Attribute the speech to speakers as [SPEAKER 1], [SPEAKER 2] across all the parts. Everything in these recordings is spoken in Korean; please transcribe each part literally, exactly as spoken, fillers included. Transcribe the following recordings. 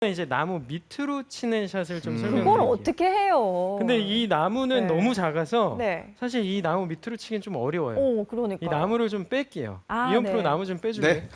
[SPEAKER 1] 이제 나무 밑으로 치는 샷을 좀
[SPEAKER 2] 음.
[SPEAKER 1] 설명드릴게요.
[SPEAKER 3] 그걸 어떻게 해요?
[SPEAKER 1] 근데 이 나무는
[SPEAKER 3] 네.
[SPEAKER 1] 너무 작아서
[SPEAKER 3] 네.
[SPEAKER 1] 사실 이 나무 밑으로 치긴 좀 어려워요.
[SPEAKER 3] 오, 그러니까.
[SPEAKER 1] 이 나무를 좀 뺄게요.
[SPEAKER 3] 아,
[SPEAKER 1] 이현 프로
[SPEAKER 3] 네.
[SPEAKER 1] 나무 좀 빼줄래?
[SPEAKER 2] 네.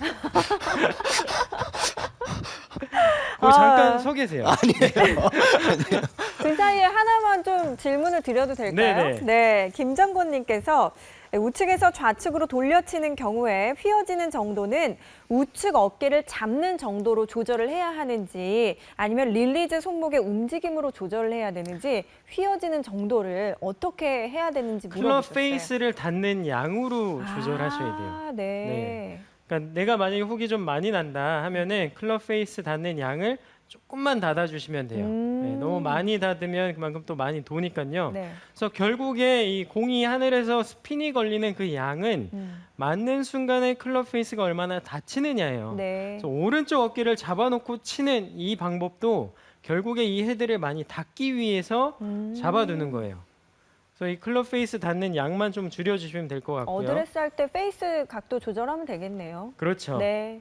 [SPEAKER 1] 거
[SPEAKER 3] 아.
[SPEAKER 1] 잠깐 서 계세요.
[SPEAKER 2] 아니에요.
[SPEAKER 3] 그 사이에 하나만 좀 질문을 드려도 될까요?
[SPEAKER 1] 네네.
[SPEAKER 3] 네, 김정곤님께서 우측에서 좌측으로 돌려치는 경우에 휘어지는 정도는 우측 어깨를 잡는 정도로 조절을 해야 하는지 아니면 릴리즈 손목의 움직임으로 조절을 해야 되는지 휘어지는 정도를 어떻게 해야 되는지
[SPEAKER 1] 클럽
[SPEAKER 3] 물어보셨어요.
[SPEAKER 1] 페이스를 닿는 양으로 조절하셔야 돼요.
[SPEAKER 3] 아, 네.
[SPEAKER 1] 네. 그러니까 내가 만약에 훅이 좀 많이 난다 하면은 클럽 페이스 닿는 양을 조금만 닫아주시면 돼요.
[SPEAKER 3] 음.
[SPEAKER 1] 네, 너무 많이 닫으면 그만큼 또 많이 도니까요.
[SPEAKER 3] 네.
[SPEAKER 1] 그래서 결국에 이 공이 하늘에서 스핀이 걸리는 그 양은
[SPEAKER 3] 음.
[SPEAKER 1] 맞는 순간에 클럽 페이스가 얼마나 닫히느냐예요.
[SPEAKER 3] 네.
[SPEAKER 1] 그래서 오른쪽 어깨를 잡아놓고 치는 이 방법도 결국에 이 헤드를 많이 닫기 위해서
[SPEAKER 3] 음.
[SPEAKER 1] 잡아두는 거예요. 그래서 이 클럽 페이스 닿는 양만 좀 줄여주시면 될 것 같고요.
[SPEAKER 3] 어드레스 할 때 페이스 각도 조절하면 되겠네요.
[SPEAKER 1] 그렇죠.
[SPEAKER 3] 네.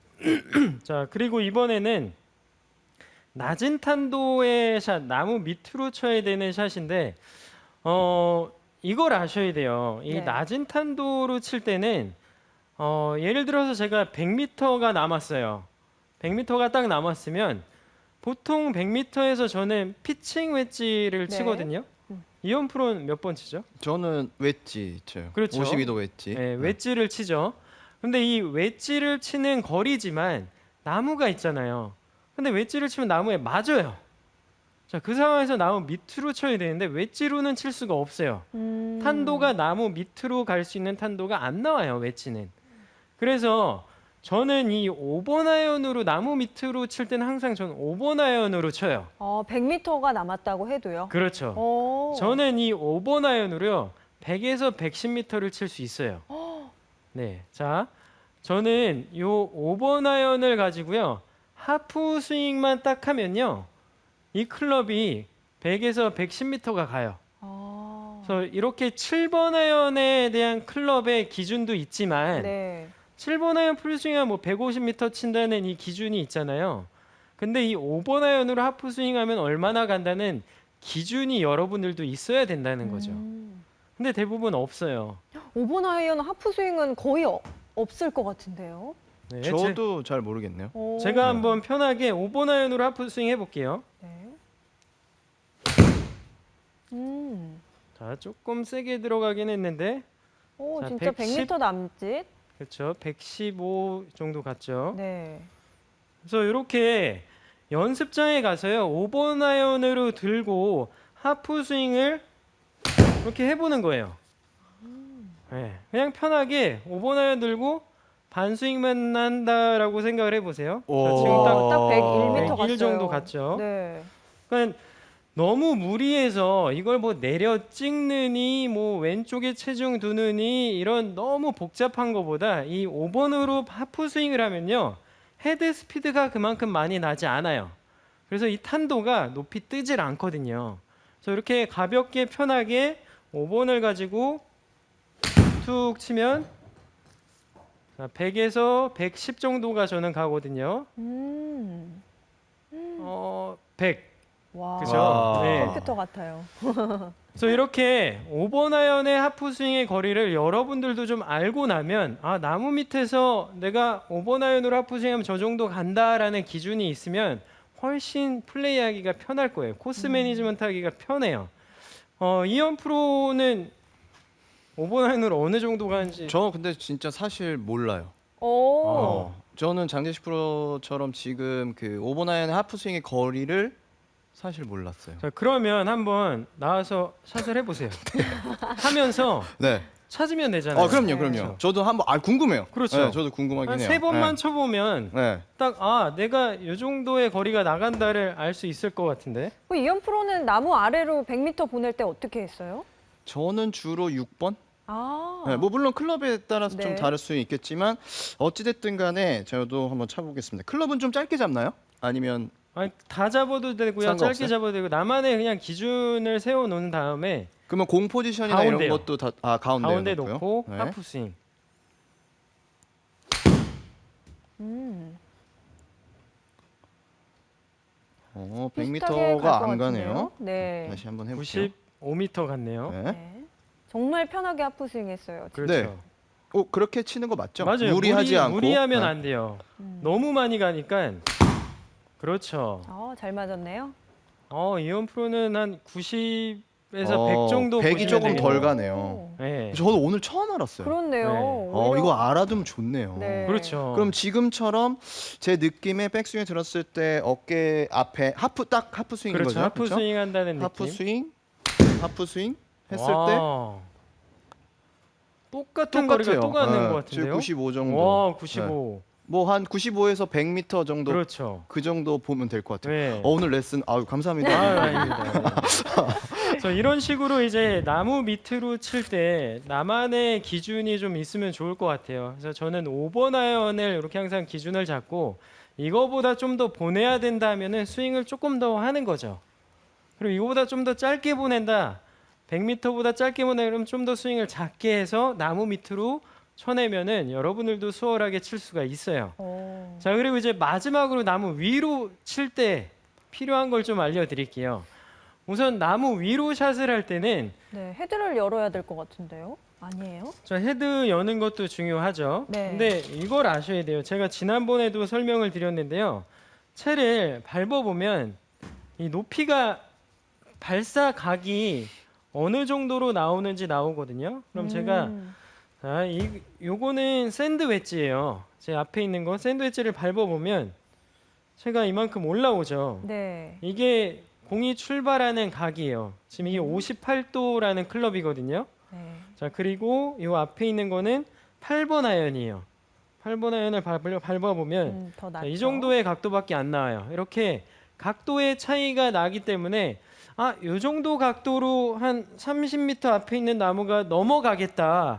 [SPEAKER 1] 자, 그리고 이번에는 낮은 탄도의 샷, 나무 밑으로 쳐야 되는 샷인데 어, 이걸 아셔야 돼요. 이
[SPEAKER 3] 네.
[SPEAKER 1] 낮은 탄도로 칠 때는 어, 예를 들어서 제가 백 미터가 남았어요. 백 미터가 딱 남았으면 보통 백 미터에서 저는 피칭 웨지를
[SPEAKER 3] 네.
[SPEAKER 1] 치거든요.
[SPEAKER 3] 음.
[SPEAKER 1] 이현 프로는 몇 번 치죠?
[SPEAKER 2] 저는 웨지 쳐요.
[SPEAKER 1] 그렇죠.
[SPEAKER 2] 오십이 도 웨지.
[SPEAKER 1] 네, 웨지를 치죠. 근데 이 웨지를 치는 거리지만 나무가 있잖아요. 근데 웨지를 치면 나무에 맞아요. 자, 그 상황에서 나무 밑으로 쳐야 되는데 웨지로는 칠 수가 없어요.
[SPEAKER 3] 음.
[SPEAKER 1] 탄도가 나무 밑으로 갈 수 있는 탄도가 안 나와요, 웨지는. 그래서 저는 이 오 번 아이언으로 나무 밑으로 칠 때는 항상 저는 오 번 아이언으로 쳐요.
[SPEAKER 3] 어, 백 미터가 남았다고 해도요.
[SPEAKER 1] 그렇죠.
[SPEAKER 3] 오.
[SPEAKER 1] 저는 이 오 번 아이언으로요. 백에서 백십 미터를 칠 수 있어요. 네. 자, 저는 요 오 번 아이언을 가지고요. 하프 스윙만 딱 하면요. 이 클럽이 백에서 백십 미터가 가요.
[SPEAKER 3] 아.
[SPEAKER 1] 그래서 이렇게 칠 번 아이언에 대한 클럽의 기준도 있지만
[SPEAKER 3] 네.
[SPEAKER 1] 칠 번 아이언 풀스윙하면 뭐 백오십 미터 친다는 이 기준이 있잖아요. 근데 이 오 번 아이언으로 하프 스윙하면 얼마나 간다는 기준이 여러분들도 있어야 된다는 거죠.
[SPEAKER 3] 음.
[SPEAKER 1] 근데 대부분 없어요.
[SPEAKER 3] 오 번 아이언 하프 스윙은 거의 어, 없을 것 같은데요.
[SPEAKER 1] 네,
[SPEAKER 2] 저도 잘 모르겠네요.
[SPEAKER 3] 오.
[SPEAKER 1] 제, 가 한번 편하게 오 번 아이언으로 하프 스윙 해볼게요.
[SPEAKER 3] 네. 음.
[SPEAKER 1] 자, 조금 세게 들어가긴 했는데
[SPEAKER 3] 오,
[SPEAKER 1] 자,
[SPEAKER 3] 진짜
[SPEAKER 1] 백십?
[SPEAKER 3] 백 미터 남짓.
[SPEAKER 1] 그렇죠. 백십오 정도 갔죠.
[SPEAKER 3] 네.
[SPEAKER 1] 그래서 이렇게 연습장에 가서요. 오 번 아이언으로 들고 하프 스윙을 이렇게 해보는 거예요. 네, 그냥 편하게 오 번 아이언 들고 반 스윙만 한다라고 생각을 해보세요. 자, 지금 딱
[SPEAKER 3] 어, 딱 백일 미터 갔어요.
[SPEAKER 1] 백일 정도 갔죠.
[SPEAKER 3] 네.
[SPEAKER 1] 그러니까 너무 무리해서 이걸 뭐 내려 찍느니 뭐 왼쪽에 체중 두느니 이런 너무 복잡한 것보다 이 오 번으로 하프 스윙을 하면요. 헤드 스피드가 그만큼 많이 나지 않아요. 그래서 이 탄도가 높이 뜨질 않거든요. 그래서 이렇게 가볍게 편하게 오 번을 가지고 툭 치면 자, 백에서 백십 정도가 저는 가거든요.
[SPEAKER 3] 음.
[SPEAKER 1] 어, 백.
[SPEAKER 3] 와.
[SPEAKER 1] 그죠?
[SPEAKER 2] 와.
[SPEAKER 1] 네.
[SPEAKER 3] 컴퓨터 같아요.
[SPEAKER 1] 그래서 이렇게 오 번 아이언의 하프 스윙의 거리를 여러분들도 좀 알고 나면 아, 나무 밑에서 내가 오 번 아이언으로 하프 스윙하면 저 정도 간다라는 기준이 있으면 훨씬 플레이하기가 편할 거예요. 코스 매니지먼트 하기가 편해요. 어, 이현 프로는 오 번 아이언으로 어느 정도 가는지
[SPEAKER 2] 저 근데 진짜 사실 몰라요.
[SPEAKER 3] 오.
[SPEAKER 2] 어. 저는 장재식 프로처럼 지금 그 오 번 아이언의 하프 스윙의 거리를 사실 몰랐어요.
[SPEAKER 1] 자, 그러면 한번 나와서 샷을 해보세요. 하면서
[SPEAKER 2] 네.
[SPEAKER 1] 찾으면 되잖아요.
[SPEAKER 2] 어, 그럼요,
[SPEAKER 3] 네.
[SPEAKER 2] 그럼요. 저도 한번 아 궁금해요.
[SPEAKER 1] 그렇죠.
[SPEAKER 2] 네, 저도 궁금하긴
[SPEAKER 1] 한
[SPEAKER 2] 해요.
[SPEAKER 1] 세 번만
[SPEAKER 2] 네.
[SPEAKER 1] 쳐보면
[SPEAKER 2] 네.
[SPEAKER 1] 딱 아 내가 이 정도의 거리가 나간다를 알 수 있을 것 같은데.
[SPEAKER 3] 그 이현 프로는 나무 아래로 백 미터 보낼 때 어떻게 했어요?
[SPEAKER 2] 저는 주로 육 번.
[SPEAKER 3] 아.
[SPEAKER 2] 네, 뭐 물론 클럽에 따라서
[SPEAKER 3] 네.
[SPEAKER 2] 좀 다를 수 있겠지만 어찌 됐든 간에 저도 한번 쳐보겠습니다. 클럽은 좀 짧게 잡나요? 아니면
[SPEAKER 1] 아니, 다 잡아도 되고요.
[SPEAKER 2] 상관없어요?
[SPEAKER 1] 짧게 잡아도 되고 나만의 그냥 기준을 세워 놓은 다음에
[SPEAKER 2] 그러면 공 포지션이나
[SPEAKER 1] 가운데요.
[SPEAKER 2] 이런 것도 다 아 가운데
[SPEAKER 1] 가운데
[SPEAKER 2] 놓고요?
[SPEAKER 1] 놓고
[SPEAKER 2] 네.
[SPEAKER 1] 하프 스윙.
[SPEAKER 3] 음.
[SPEAKER 2] 어,
[SPEAKER 3] 비슷하게
[SPEAKER 2] 백 미터가
[SPEAKER 3] 갈것
[SPEAKER 2] 안
[SPEAKER 3] 같은데요?
[SPEAKER 2] 가네요.
[SPEAKER 3] 네.
[SPEAKER 2] 다시 한번 해볼게요.
[SPEAKER 1] 구십오 미터 같네요.
[SPEAKER 2] 네.
[SPEAKER 3] 네. 정말 편하게 하프스윙 했어요.
[SPEAKER 1] 그렇죠.
[SPEAKER 2] 네. 어, 그렇게 치는 거 맞죠?
[SPEAKER 1] 맞아요.
[SPEAKER 2] 무리하지
[SPEAKER 1] 무리,
[SPEAKER 2] 않고.
[SPEAKER 1] 무리하면
[SPEAKER 2] 네.
[SPEAKER 1] 안 돼요.
[SPEAKER 3] 음.
[SPEAKER 1] 너무 많이 가니까 그렇죠.
[SPEAKER 3] 어, 잘 맞았네요.
[SPEAKER 1] 어, 이원 프로는 한 구십에서
[SPEAKER 2] 어,
[SPEAKER 1] 백 정도
[SPEAKER 2] 백이
[SPEAKER 1] 보시면
[SPEAKER 2] 조금 덜
[SPEAKER 1] 되겠네요.
[SPEAKER 2] 가네요.
[SPEAKER 3] 오.
[SPEAKER 1] 네.
[SPEAKER 2] 저도 오늘 처음 알았어요.
[SPEAKER 3] 그렇네요.
[SPEAKER 1] 네.
[SPEAKER 2] 어,
[SPEAKER 3] 오히려-
[SPEAKER 2] 이거 알아두면 좋네요.
[SPEAKER 3] 네.
[SPEAKER 1] 그렇죠.
[SPEAKER 2] 그럼 지금처럼 제 느낌에 백스윙에 들었을 때 어깨 앞에 하프 딱 하프 스윙인
[SPEAKER 1] 그렇죠.
[SPEAKER 2] 거죠?
[SPEAKER 1] 하프
[SPEAKER 2] 그렇죠?
[SPEAKER 1] 스윙 한다는
[SPEAKER 2] 하프
[SPEAKER 1] 느낌.
[SPEAKER 2] 스윙, 하프 스윙 했을 때
[SPEAKER 1] 와. 똑같은 거리가
[SPEAKER 2] 똑같아요.
[SPEAKER 1] 또 가는
[SPEAKER 2] 네,
[SPEAKER 1] 것
[SPEAKER 2] 지금
[SPEAKER 1] 같은데요.
[SPEAKER 2] 구십오 정도.
[SPEAKER 1] 와, 구십오.
[SPEAKER 2] 뭐 한 구십오에서 백 미터 정도 그
[SPEAKER 1] 그렇죠.
[SPEAKER 2] 정도 보면 될 것 같아요.
[SPEAKER 1] 네.
[SPEAKER 2] 어, 오늘 레슨 아유 감사합니다.
[SPEAKER 1] 아, 아닙니다. 네. 그래서 이런 식으로 이제 나무 밑으로 칠 때 나만의 기준이 좀 있으면 좋을 것 같아요. 그래서 저는 오 번 아이언을 이렇게 항상 기준을 잡고 이거보다 좀 더 보내야 된다면은 스윙을 조금 더 하는 거죠. 그리고 이거보다 좀 더 짧게 보낸다. 백 미터보다 짧게 보내면 그럼 좀 더 스윙을 작게 해서 나무 밑으로 쳐내면은 여러분들도 수월하게 칠 수가 있어요.
[SPEAKER 3] 오.
[SPEAKER 1] 자, 그리고 이제 마지막으로 나무 위로 칠 때 필요한 걸 좀 알려드릴게요. 우선 나무 위로 샷을 할 때는
[SPEAKER 3] 네, 헤드를 열어야 될 것 같은데요? 아니에요?
[SPEAKER 1] 저 헤드 여는 것도 중요하죠.
[SPEAKER 3] 네.
[SPEAKER 1] 근데 이걸 아셔야 돼요. 제가 지난번에도 설명을 드렸는데요. 채를 밟아보면 이 높이가 발사 각이 어느 정도로 나오는지 나오거든요. 그럼 제가
[SPEAKER 3] 음.
[SPEAKER 1] 자, 이 요거는 샌드 웨지예요. 제 앞에 있는 거 샌드 웨지를 밟아보면 채가 이만큼 올라오죠.
[SPEAKER 3] 네.
[SPEAKER 1] 이게 공이 출발하는 각이에요. 지금 이게 오십팔 도라는 클럽이거든요.
[SPEAKER 3] 네.
[SPEAKER 1] 자, 그리고 이 앞에 있는 거는 팔 번 아이언이에요. 팔 번 아이언을 밟아, 밟아보면
[SPEAKER 3] 음, 더
[SPEAKER 1] 자,
[SPEAKER 3] 낫죠.
[SPEAKER 1] 이 정도의 각도밖에 안 나와요. 이렇게 각도의 차이가 나기 때문에 아, 이 정도 각도로 한 삼십 미터 앞에 있는 나무가 넘어가겠다를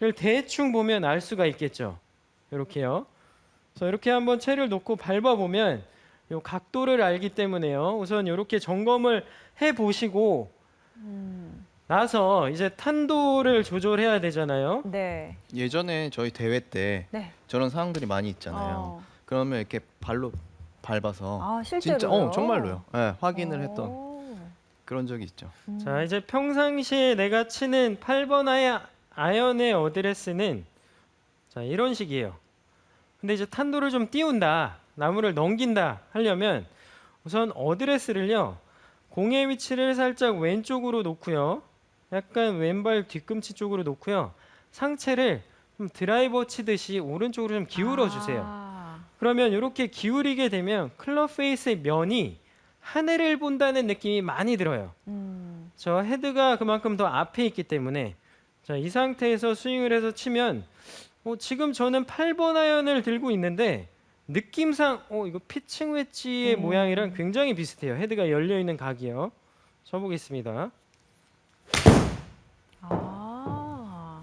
[SPEAKER 1] 대충 보면 알 수가 있겠죠. 이렇게요. 그래서 이렇게 한번 채를 놓고 밟아보면 이 각도를 알기 때문에요. 우선 이렇게 점검을 해 보시고
[SPEAKER 3] 음.
[SPEAKER 1] 나서 이제 탄도를 조절해야 되잖아요.
[SPEAKER 3] 네.
[SPEAKER 2] 예전에 저희 대회 때
[SPEAKER 3] 네.
[SPEAKER 2] 저런 상황들이 많이 있잖아요.
[SPEAKER 3] 어.
[SPEAKER 2] 그러면 이렇게 발로 밟아서
[SPEAKER 3] 아, 실제로요?
[SPEAKER 2] 진짜 어 정말로요. 네, 확인을
[SPEAKER 3] 오.
[SPEAKER 2] 했던 그런 적이 있죠.
[SPEAKER 3] 음.
[SPEAKER 1] 자, 이제 평상시에 내가 치는 팔 번 아이, 아이언의 어드레스는 자, 이런 식이에요. 근데 이제 탄도를 좀 띄운다, 나무를 넘긴다 하려면 우선 어드레스를요, 공의 위치를 살짝 왼쪽으로 놓고요, 약간 왼발 뒤꿈치 쪽으로 놓고요, 상체를 좀 드라이버 치듯이 오른쪽으로 좀 기울여 주세요.
[SPEAKER 3] 아.
[SPEAKER 1] 그러면 이렇게 기울이게 되면 클럽 페이스의 면이 하늘을 본다는 느낌이 많이 들어요.
[SPEAKER 3] 음.
[SPEAKER 1] 저 헤드가 그만큼 더 앞에 있기 때문에 자, 이 상태에서 스윙을 해서 치면 어, 지금 저는 팔 번 아이언을 들고 있는데 느낌상 어, 이거 피칭 웨지의
[SPEAKER 3] 음.
[SPEAKER 1] 모양이랑 굉장히 비슷해요. 헤드가 열려 있는 각이요. 쳐보겠습니다.
[SPEAKER 3] 아.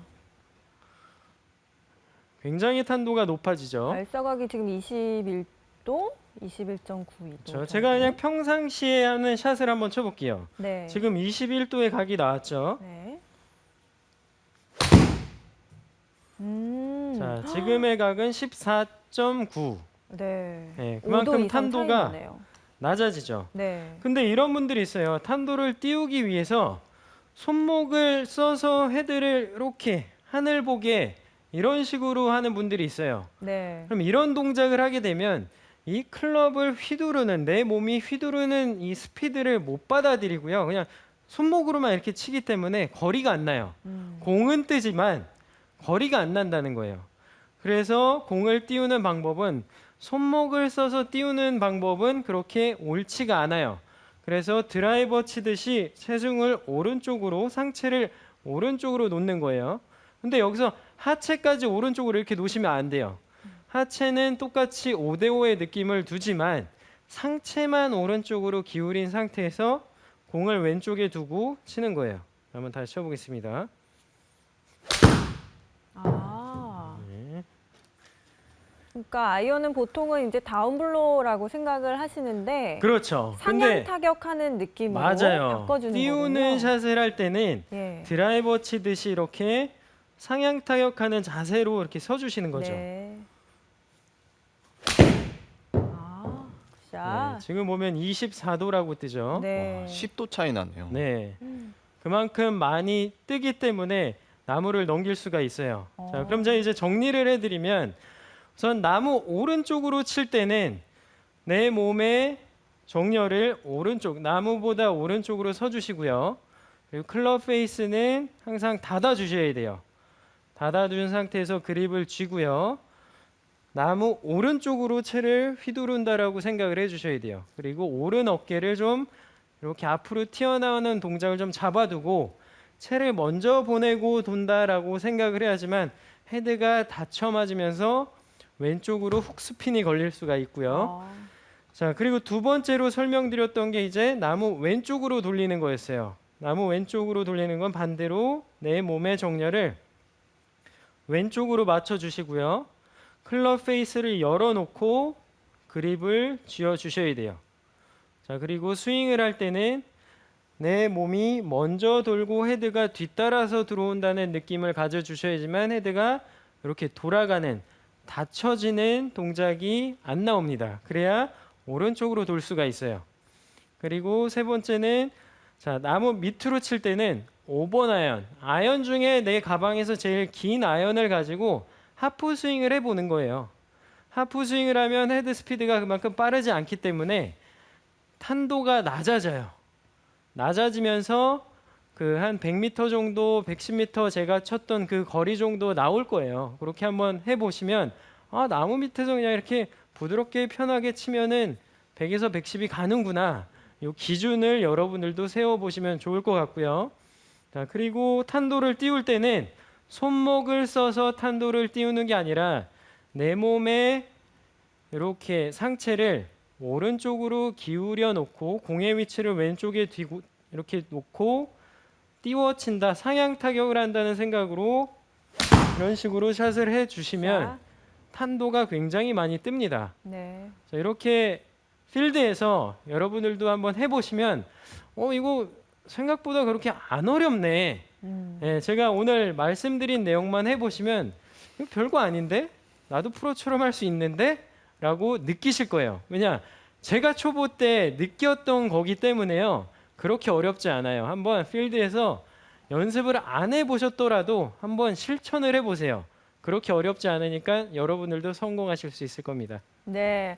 [SPEAKER 1] 굉장히 탄도가 높아지죠.
[SPEAKER 3] 발사각이 지금 이십일 도, 이십일 점 구이 도.
[SPEAKER 1] 저 제가 그냥 평상시에 하는 샷을 한번 쳐볼게요.
[SPEAKER 3] 네.
[SPEAKER 1] 지금 이십일 도의 각이 나왔죠.
[SPEAKER 3] 네. 음.
[SPEAKER 1] 자, 지금의 각은 십사 점 구.
[SPEAKER 3] 네.
[SPEAKER 1] 네,
[SPEAKER 3] 오 도
[SPEAKER 1] 그만큼
[SPEAKER 3] 이상 차이
[SPEAKER 1] 탄도가
[SPEAKER 3] 나네요.
[SPEAKER 1] 낮아지죠.
[SPEAKER 3] 네.
[SPEAKER 1] 근데 이런 분들이 있어요. 탄도를 띄우기 위해서 손목을 써서 헤드를 이렇게 하늘 보게 이런 식으로 하는 분들이 있어요.
[SPEAKER 3] 네.
[SPEAKER 1] 그럼 이런 동작을 하게 되면 이 클럽을 휘두르는, 내 몸이 휘두르는 이 스피드를 못 받아들이고요. 그냥 손목으로만 이렇게 치기 때문에 거리가 안 나요.
[SPEAKER 3] 음.
[SPEAKER 1] 공은 뜨지만 거리가 안 난다는 거예요. 그래서 공을 띄우는 방법은, 손목을 써서 띄우는 방법은 그렇게 옳지가 않아요. 그래서 드라이버 치듯이 체중을 오른쪽으로, 상체를 오른쪽으로 놓는 거예요. 근데 여기서 하체까지 오른쪽으로 이렇게 놓으시면 안 돼요. 하체는 똑같이 오 대 오의 느낌을 두지만 상체만 오른쪽으로 기울인 상태에서 공을 왼쪽에 두고 치는 거예요. 한번 다시 쳐보겠습니다.
[SPEAKER 3] 아.
[SPEAKER 1] 네.
[SPEAKER 3] 그러니까 아이언은 보통은 이제 다운블로라고 생각을 하시는데
[SPEAKER 1] 그렇죠.
[SPEAKER 3] 상향
[SPEAKER 1] 근데
[SPEAKER 3] 타격하는 느낌으로
[SPEAKER 1] 맞아요.
[SPEAKER 3] 바꿔주는
[SPEAKER 1] 띄우는
[SPEAKER 3] 거군요.
[SPEAKER 1] 샷을 할 때는
[SPEAKER 3] 예.
[SPEAKER 1] 드라이버 치듯이 이렇게 상향 타격하는 자세로 이렇게 서주시는 거죠.
[SPEAKER 3] 네. 아, 진짜.
[SPEAKER 1] 네, 지금 보면 이십사 도라고 뜨죠.
[SPEAKER 3] 네.
[SPEAKER 2] 와, 십 도 차이 나네요.
[SPEAKER 1] 네.
[SPEAKER 3] 음.
[SPEAKER 1] 그만큼 많이 뜨기 때문에 나무를 넘길 수가 있어요.
[SPEAKER 3] 어.
[SPEAKER 1] 자, 그럼 제가 이제 정리를 해드리면 우선 나무 오른쪽으로 칠 때는 내 몸의 정렬을 오른쪽, 나무보다 오른쪽으로 서주시고요. 그리고 클럽 페이스는 항상 닫아주셔야 돼요. 닫아둔 상태에서 그립을 쥐고요. 나무 오른쪽으로 채를 휘두른다라고 생각을 해주셔야 돼요. 그리고 오른 어깨를 좀 이렇게 앞으로 튀어나오는 동작을 좀 잡아두고 채를 먼저 보내고 돈다라고 생각을 해야지만 헤드가 닫혀 맞으면서 왼쪽으로 훅스핀이 걸릴 수가 있고요.
[SPEAKER 3] 어.
[SPEAKER 1] 자, 그리고 두 번째로 설명드렸던 게 이제 나무 왼쪽으로 돌리는 거였어요. 나무 왼쪽으로 돌리는 건 반대로 내 몸의 정렬을 왼쪽으로 맞춰 주시고요. 클럽 페이스를 열어놓고 그립을 쥐어 주셔야 돼요. 자, 그리고 스윙을 할 때는 내 몸이 먼저 돌고 헤드가 뒤따라서 들어온다는 느낌을 가져주셔야지만 헤드가 이렇게 돌아가는 닫혀지는 동작이 안 나옵니다. 그래야 오른쪽으로 돌 수가 있어요. 그리고 세 번째는 자, 나무 밑으로 칠 때는 오 번 아이언, 아이언 중에 내 가방에서 제일 긴 아이언을 가지고 하프 스윙을 해보는 거예요. 하프 스윙을 하면 헤드 스피드가 그만큼 빠르지 않기 때문에 탄도가 낮아져요. 낮아지면서 그 한 백 미터 정도, 백십 미터 제가 쳤던 그 거리 정도 나올 거예요. 그렇게 한번 해보시면 아, 나무 밑에서 그냥 이렇게 부드럽게 편하게 치면은 백에서 백십이 가는구나. 이 기준을 여러분들도 세워보시면 좋을 것 같고요. 자, 그리고 탄도를 띄울 때는 손목을 써서 탄도를 띄우는 게 아니라 내 몸에 이렇게 상체를 오른쪽으로 기울여 놓고 공의 위치를 왼쪽에 뒤고 이렇게 놓고 띄워친다, 상향 타격을 한다는 생각으로 이런 식으로 샷을 해주시면
[SPEAKER 3] 자,
[SPEAKER 1] 탄도가 굉장히 많이 뜹니다.
[SPEAKER 3] 네.
[SPEAKER 1] 자, 이렇게 필드에서 여러분들도 한번 해보시면 어 이거 생각보다 그렇게 안 어렵네.
[SPEAKER 3] 음.
[SPEAKER 1] 예, 제가 오늘 말씀드린 내용만 해보시면 이거 별거 아닌데? 나도 프로처럼 할 수 있는데? 라고 느끼실 거예요. 왜냐? 제가 초보 때 느꼈던 거기 때문에요. 그렇게 어렵지 않아요. 한번 필드에서 연습을 안 해보셨더라도 한번 실천을 해보세요. 그렇게 어렵지 않으니까 여러분들도 성공하실 수 있을 겁니다.
[SPEAKER 3] 네.